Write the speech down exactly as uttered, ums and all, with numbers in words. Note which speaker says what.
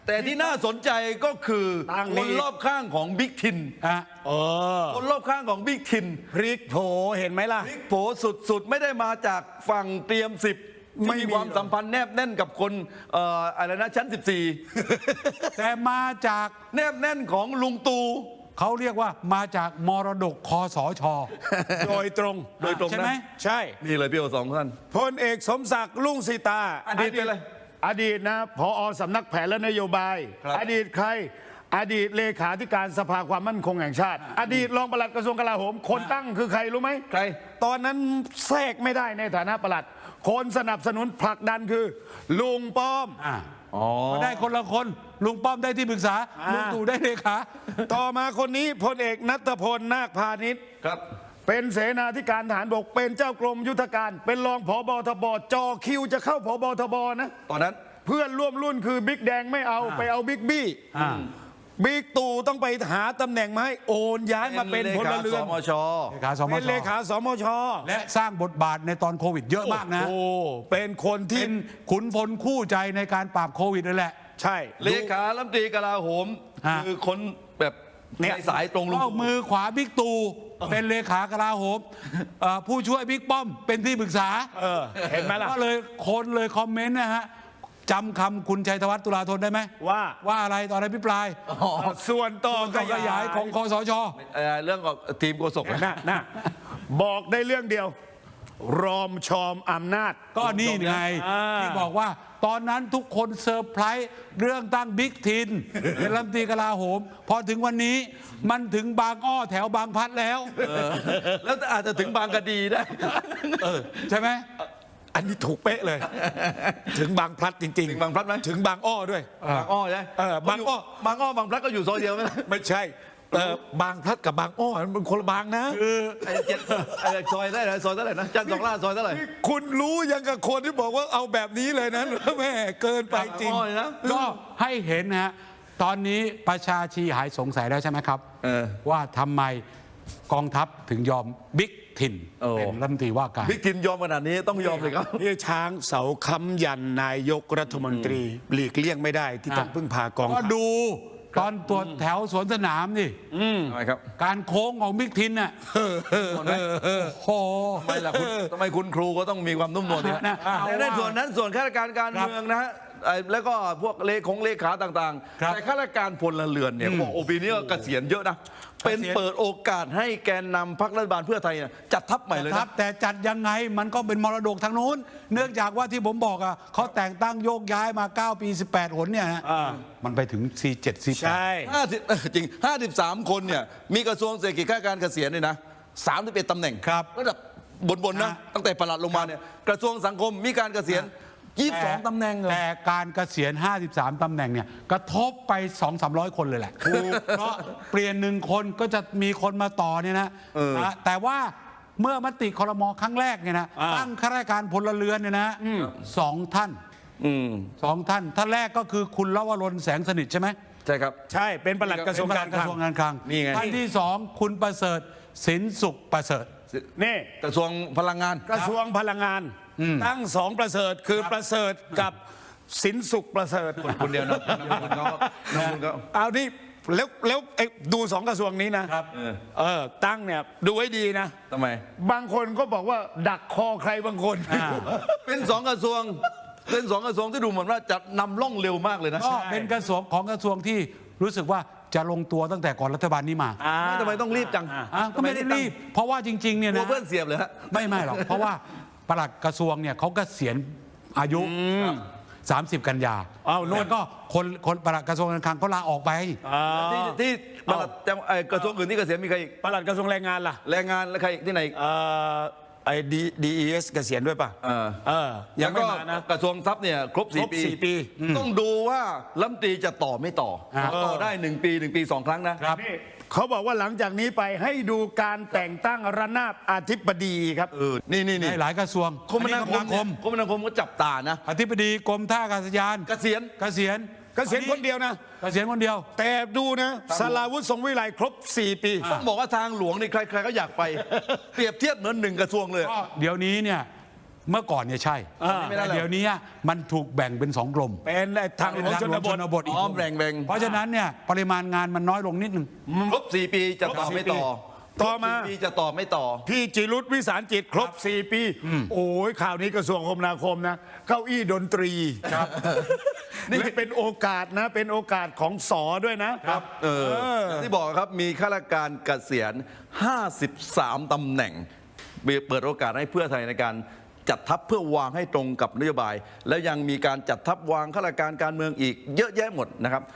Speaker 1: แต่ที่น่าสนใจก็คือคนรอบข้างของบิ๊กทิน
Speaker 2: อ่ะ
Speaker 3: เออ
Speaker 1: คนรอบข้างของบิ๊กทิน
Speaker 3: พริกโผเห็นไหมล่ะ
Speaker 1: บิ๊กโผสุดๆ ไม่ได้มาจากฝั่งเตรียมสิบ
Speaker 3: ไม่
Speaker 1: ที่
Speaker 3: มี
Speaker 1: มีความสัมพันธ์แนบแน่นกับคนเอ่ออะไรนะชั้นสิบสี่
Speaker 2: แต่มาจาก
Speaker 1: แนบแน่นของลุงตู่
Speaker 2: เขาเรียกว่ามาจากมรดกคอสช
Speaker 3: โดยตรง
Speaker 1: โดยตรง
Speaker 2: ใช่
Speaker 1: นะ
Speaker 2: ไหม
Speaker 3: ใช่
Speaker 1: นี่เลยพี่โอสองท่าน
Speaker 3: พลเอกสมศักดิ์ลุ่งสีตา
Speaker 1: อดีตเป็นอะไร
Speaker 3: อดีตนะพอสำนักแผนและนโยบาย
Speaker 1: ครับ
Speaker 3: อดีตใคร อดีตเลขาธิการสภาความมั่นคงแห่งชาติ อดีตรองปลัดกระทรวงกลาโหม คนตั้งคือใครรู้ไหม
Speaker 1: ใคร
Speaker 3: ตอนนั้นแทรกไม่ได้ในฐานะปลัด คนสนับสนุนผลักดันคือ ลุงป้อม
Speaker 2: อ่ะ
Speaker 1: อ๋อ
Speaker 2: ก็ได้คนละคน ลุงป้อมได้ที่ปรึกษา
Speaker 3: อ่า
Speaker 2: ลุงตู่ได้เลขา
Speaker 3: ต่อมาคนนี้พลเอกนัทพลนาคพาณิชย์
Speaker 1: ครับ
Speaker 3: เป็นเสนาธิการทหารบกเป็นเจ้ากรมยุทธการ เป็นรองผบทบจอคิวจะเข้าผบทบนะ
Speaker 1: ตอนนั้น
Speaker 3: เพื่อนร่วมรุ่นคือบิ๊กแดงไม่เอาไปเอาบิ๊กบี้
Speaker 2: อ่า
Speaker 3: บิ๊กตู่ต้องไปหาตำแหน่งมาให้โอนย้ายมาเป็นพลเรือน
Speaker 1: สมช
Speaker 2: เลขาสม
Speaker 3: เป็น
Speaker 2: ช
Speaker 3: เลขาสมช
Speaker 2: และสร้างบทบาทในตอนโควิดเยอะมากนะ
Speaker 3: โอ้เป็นคนที่
Speaker 2: เป็นขุนพลคู่ใจในการปราบโควิดนั่นแหละ
Speaker 3: ใช่
Speaker 1: เลขารัฐมนตรีกลาโหม
Speaker 2: อ่ะ
Speaker 1: คือคนแบบ
Speaker 3: เนี่ย
Speaker 1: ในสายตรงลุง
Speaker 2: ก็มือขวาบิ๊กตู่เป็นเลขากลาโหมเอ่อผู้ช่วยบิ๊กป้อมเป็นที่ปรึกษา
Speaker 3: เออเห็นไหมล่ะ
Speaker 2: ก็เลยคนเลยคอมเมนต์นะฮะจำคำคุณชัยธวัฒน์ตุลาธนได้ไหม
Speaker 3: ว่า
Speaker 2: ว่าอะไรตอนอภิปราย
Speaker 3: ส่วนต่อ
Speaker 2: การขยายของคอสช
Speaker 1: เอ่อเรื่องของทีมโฆษกนะ
Speaker 3: นะนะบอกได้เรื่องเดียว รอมชอมอำนาจ
Speaker 2: ก็นี่ไง
Speaker 3: อ่า
Speaker 2: ที่บอกว่าตอนนั้นทุกคนเซอร์ไพรส์เรื่องตั้งบิ๊กทินเป็นรัฐมนตรีกลาโหม พอถึงวันนี้มันถึงบางอ้อแถวบางพลัดแล้ว
Speaker 1: แล้วอาจจะถึงบางกะดีได้
Speaker 2: ใช่ไหม
Speaker 3: อันนี้ถูกเป๊ะเลย ถึงบางพลัดจริง
Speaker 1: ถึงบางพลัดไหม
Speaker 3: ถึงบางอ้อด้วย
Speaker 1: บางอ้อใช่ไหม
Speaker 3: เออบางอ้อ
Speaker 1: บางอ้อบางพลัดก็อยู่ซอยเดียวไหมล่ะ
Speaker 3: ไม่ใช่เออบางพลัดกับบางอ้อมันเป็นคนละบางนะ
Speaker 1: ไอ้เจ็ดไอ้ซอยได้ไหนซอยเท่าไหร่นะจันทร์สองล่าซอยเท่าไหร่
Speaker 3: คุณรู้ยังกับคนที่บอกว่าเอาแบบนี้เลยนะ แม่เกินไปจริง
Speaker 1: บางอ้อเลยนะ
Speaker 2: ก็ให้เห็นนะฮะตอนนี้ประชาชีหายสงสัยแล้วใช่ไหมครับ
Speaker 1: เออ
Speaker 2: ว่าทำไมกองทัพถึงยอมบิ๊กทิน
Speaker 1: โอ้
Speaker 2: เป็นรัฐมนตรีว่าการ
Speaker 1: บิ๊กทินยอมขนาดนี้ต้องยอมเลยครับ
Speaker 3: นี่ช้างเสาค้ำยันนายกรัฐมนตรี หลีกเลี่ยงไม่ได้ที่ต้องพึ่งพากอง
Speaker 2: ก็
Speaker 3: ทัพ
Speaker 2: ดูตอนตรวจแถวสวนสนามนี่
Speaker 1: ทำไมครับ
Speaker 2: การโค้งของบิ๊กทินน่ะโอ้โห
Speaker 1: ทำไมล่ะคุณทำไมคุณครูก็ต้องมีความนุ่มนวลเนี่ย
Speaker 2: นะเอา
Speaker 1: แต่ในส่วนนั้นส่วนข้าราชการการ
Speaker 2: ครับ
Speaker 1: เมืองนะฮะไอ้แล้วก็พวกเลขของเลขาต่าง
Speaker 2: ครับ
Speaker 1: ๆ แต่ข้าราชการพลเรือนเนี่ยเขาบอกโอปีนี้ก็เกษียณเยอะนะ เป็นเปิดโอกาสให้แกนนำพรรครัฐบาลเพื่อไทยเนี่ยจัดทัพใหม่เลย
Speaker 2: ครั
Speaker 1: นะ
Speaker 2: บแต่จัดยังไงมันก็เป็นมรดกทางนู้น เนื่องจากว่าที่ผมบอกอ่ะเขาแต่งตั้งโยกย้ายมา เก้า ปี สิบแปด หนเนี่ยฮะ
Speaker 3: อ่า
Speaker 2: มันไปถึง สี่เจ็ด สี่แปด
Speaker 3: ใช่
Speaker 1: ห้าสิบจริงห้าสิบสามคนเนี่ยมีกระทรวงเศรษฐกิจข้าราชการเกษียณเนี่ยนะสามสิบเอ็ดตำแหน่ง
Speaker 2: ครับ
Speaker 1: ระดับบนๆนะ
Speaker 2: อ่า
Speaker 1: ตั้งแต่ปลัดลงมาเนี่ยกระทรวงสังคมมีการเกษียณยี่สิบสองตำแหน่งเหรอ
Speaker 2: แต่การเกษียณ ห้าสิบสาม ตำแหน่งเนี่ยกระทบไป สองสามร้อย คนเลยแหละเพราะเปลี่ยนหนึ่งคนก็จะมีคนมาต่อเนี่ยนะ
Speaker 1: เออ
Speaker 2: นะแต่ว่าเมื่อมติครมครั้งแรกเนี่ยนะ
Speaker 3: อ่า
Speaker 2: ตั้งข้าราชการพลเรือนเนี่ยนะสองท่าน
Speaker 1: อืม
Speaker 2: สองท่านท่านแรกก็คือคุณลวรนแสงสนิทใช่ไหม
Speaker 1: ใช่ครับ
Speaker 3: ใช่เป็นปลัดกระทรวง
Speaker 2: เป็นป
Speaker 3: กา
Speaker 2: ลั
Speaker 3: ร
Speaker 2: ด
Speaker 3: ค
Speaker 2: ก
Speaker 3: ลั
Speaker 2: ระ
Speaker 3: ง
Speaker 2: ทรวงการคลัง
Speaker 1: นี่ไง
Speaker 2: ท่านที่สองคุณประเสริฐสินสุขประเสริฐ
Speaker 3: นี่
Speaker 1: กระทรวงพลังงาน
Speaker 3: กระทรวงพลังงาน ตั้งสองประเสริฐคือประเสริฐกับสินสุขประเสริฐ
Speaker 1: คนเดียวนะน้ำมันเขาน้ำมันเขา
Speaker 3: เอานี่แล้วแล้วไอ้ดูสองกระทรวงนี้นะครับ
Speaker 1: เออ
Speaker 3: เออตั้งเนี่ยดูให้ดีนะ
Speaker 1: ทำไม
Speaker 3: บางคนก็บอกว่าดักคอใครบางคน
Speaker 1: เป็นสองกระทรวง เป็นสองกระทรวงที่ดูเหมือนว่าจะนำร่องเร็วมากเลยนะ
Speaker 2: ก็เป็นกระทรวงของกระทรวงที่รู้สึกว่าจะลงตัวตั้งแต่ก่อนรัฐบาลนี้มา
Speaker 3: อ่า
Speaker 1: ทำไมต้องรีบจัง
Speaker 2: อ่ะก็ไม่ได้รีบ เพราะว่าจริงๆเนี่ย
Speaker 1: กลัว
Speaker 2: นะ
Speaker 1: เพื่อนเสียบเลยฮะ
Speaker 2: ไม่ไม่หรอก เพราะว่าปลัดกระทรวงเนี่ยเขาก็เกษียณอายุ สามสิบ กันยา
Speaker 3: อ้าวนู่น
Speaker 2: แล้วก็คนคนปลัดกระทรวงการคลังเขาลาออกไป
Speaker 3: อ่า
Speaker 1: ที่ที่ปลัดจังเอ่อกระทรวงอื่นที่เกษียณมีใครอีก
Speaker 3: ปลัดกระทรวงแรงงานล่ะ
Speaker 1: แรงงานและใครอีกที่ไหนอีก
Speaker 3: เอ่อไอ้ดีดีเอสเกษียณด้วยป่ะ
Speaker 1: เออ
Speaker 3: เออยั
Speaker 1: แล้
Speaker 3: ง
Speaker 1: ว
Speaker 3: ไม่
Speaker 1: ก็
Speaker 3: มานะ
Speaker 1: กระทรวงทรัพย์เนี่ยครบ
Speaker 3: คร
Speaker 1: สี่
Speaker 3: บ
Speaker 1: ปี
Speaker 3: สี่ปี
Speaker 1: ต้องดูว่ารัฐมนตรีจะต่อไม่ต่อ
Speaker 2: อ่า
Speaker 1: ต่อได้หนึ่งปีหนึ่งปีสองครั้งนะ
Speaker 2: ครับ
Speaker 3: นี่เขาบอกว่าหลังจากนี้ไปให้ดูการแต่งตั้งระนาบอธิบดีครับ
Speaker 1: เออ นี่นี่
Speaker 2: ใน
Speaker 1: นี่
Speaker 2: หลายกระทรวง
Speaker 1: คมนาคม
Speaker 2: ค
Speaker 1: เนี่ย
Speaker 2: ม
Speaker 1: คมนาคมก็จับตานะ
Speaker 2: อธิบดีกรมท่าอากาศยาน
Speaker 1: เกษียณ
Speaker 2: เกษียณ
Speaker 3: เกษียณคนเดียวนะ
Speaker 2: เกษียณคนเดียว
Speaker 3: แต่ดูนะสราวุธทรงวิไลครบสี่ปี
Speaker 2: อ่า
Speaker 1: ต้องบอกว่าทางหลวงนี่ใครๆก็อยากไป เปรียบเทียบเหมือนหนึ่งกระทรวงเลย
Speaker 2: ก็เดี๋ยวนี้เนี่ยเมื่อก่อนเนี่ยใช่
Speaker 3: อ่า
Speaker 2: แต่เดี๋ยวนี้มันถูกแบ่งเป็นสองกลุ่ม
Speaker 3: เป็นไอ้ทางหลวงชนบท
Speaker 2: บทอีก
Speaker 1: อ้อมแบ่งแบ่ง
Speaker 2: เพราะฉะนั้นเนี่ยปริมาณงานมันน้อยลงนิดนึง
Speaker 1: ครบสี่ปีจะต่อไม่ต่อ
Speaker 3: ต่อมา
Speaker 1: ครบสี่ปีจะต่อไม่ต่อ
Speaker 3: พี่จิรุตวิสารจิตครบสี่ปี โอ้ยข่าวนี้กระทรวงคมนาคมนะ เก้าอี้ดนตรีครับและเป็นโอกาสนะ เป็นโอกาสของสอด้วยนะครับ
Speaker 1: เออที่บอกครับมีข้าราชการเกษียณห้าสิบสามตำแหน่ง เปิดโอกาสให้เพื่อไทยในการจัดทัพเพื่อวางให้ตรงกับนโยบาย แล้วยังมีการจัดทัพวางข้าราชการการเมืองอีกเยอะแยะหมดนะครับ